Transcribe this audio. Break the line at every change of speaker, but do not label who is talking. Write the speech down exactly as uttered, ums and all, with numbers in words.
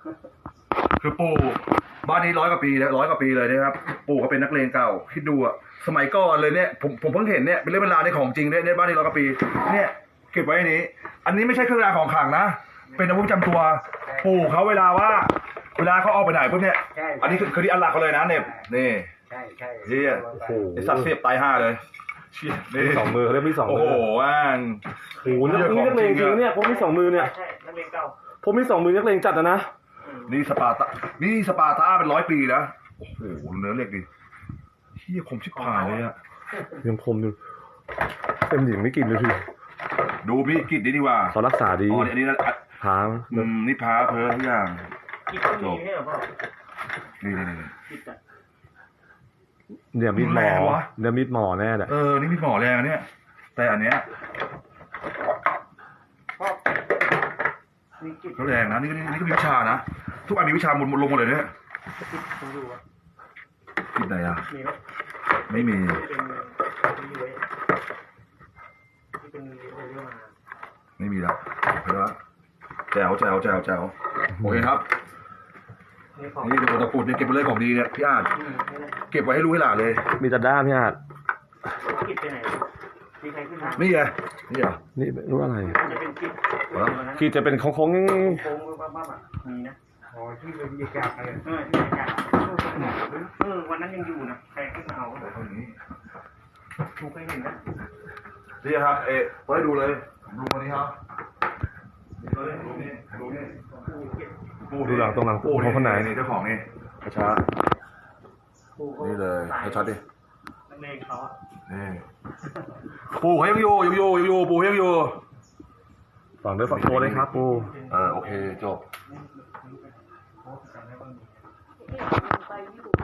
คือปู่บ้านนี้ร้อยกว่าปีแล้วร้อยกว่าปีเลยนะครับปู่เขาเป็นนักเลงเก่าคิดดูอะสมัยก่อนเลยเนี่ยผมผมเพิ่งเห็นเนี่ยเป็นเรื่องเวลาในของจริงเนี่ยในบ้านนี้ร้อยกว่าปีเนี่ยเก็บไว้ในนี้ อันนี้ไม่ใช่เครื่องรางของขลังนะเป็นอาวุธประจำตัวปู่เขาเวลาว่าเวลาเขาออกไปไหนพวกเนี้ยอันนี้คือคือที่อันหลักเขาเลยนะเนี่ยนี่
ใช่ใช่
เฮียโอ้โหไอสัตว์เสียบตายห่าเลยเชี่ยนี่
สองมือเขาเรียกมีสองมื
โอ้โหว่าง
โอ้โหนี่นักเลงจริงเนี่ยผมมีสองมือเนี่ย
ใช่นักเลงเก่า
ผมมีสองมือนักเลงจัดนะนะ
นี่สปาร์ตานี่สปาร์ตาเป็นร้อยปีนะโอ้โหเนื้อเหล็กดิเฮียคมชิบหายเลยอะ
ยังคมอยู่เต็มหญิงไม่กินเลยพี่
ดูมีกิจดีดีว่า
เขารักษาดี
อ๋ออันนี้
พา
อืมนี่พาเพอทุกอย่าง
จบ
นี่นี่นี่
เนี่ยมีดหมอเนี่ยมีดหมอแน่แหละ
เออนี่มีดหมอแรงเนี่ยแต่อันเนี้ยเขาแรงนะนี่ก็นี่ก็มีวิชานะทุกอันมีวิชาหมดหมดลงหมดเลยเนี่ยกิจไหนอ่ะไม่มีไม่มีแล้วเพื่อแจวแจวแจวแจวโอเคครับนี่เป็นตัวตะปูดเนี่ยเก็บไปเลยของดีเนี่ยพี่อาจเก็บไว้ให้รู้ให้หลานเลย
มีแต่ด้ามพี่อาจ
กิจไปไหนมีใครขึ้นมา
นี่ไงนี่เหรอ
นี่รู้อะไร
จะเป็นกิจ
กิจจะเป็นโค้งโค้ง
โค้งบ้าๆอ่ะมีนะอ๋อที่เป็นบรรยากาศอะไรเออที่บรรยากาศเออวันนั้นยังอยู่นะใครขึ้นมาเอาแบบนี้ถูกใครเห็นนะ
นี่ครับเอ๊ะไว้ดูเลยดูมานี่ครับดูนี่ดูนี่ดูนี่
ดูหลังตรงหลังปูเขาคนไหน
นี่เจ้าของนี่ช้านี่เลยชัดดิ
นักเลงเขาอ่ะ
นี่ปูเขายังอยู่ยังอยู่ยังอยู่ปูยังอยู่
ฝั่งด้วยฝั่งโตเลยครับปู
เออโอเคจบ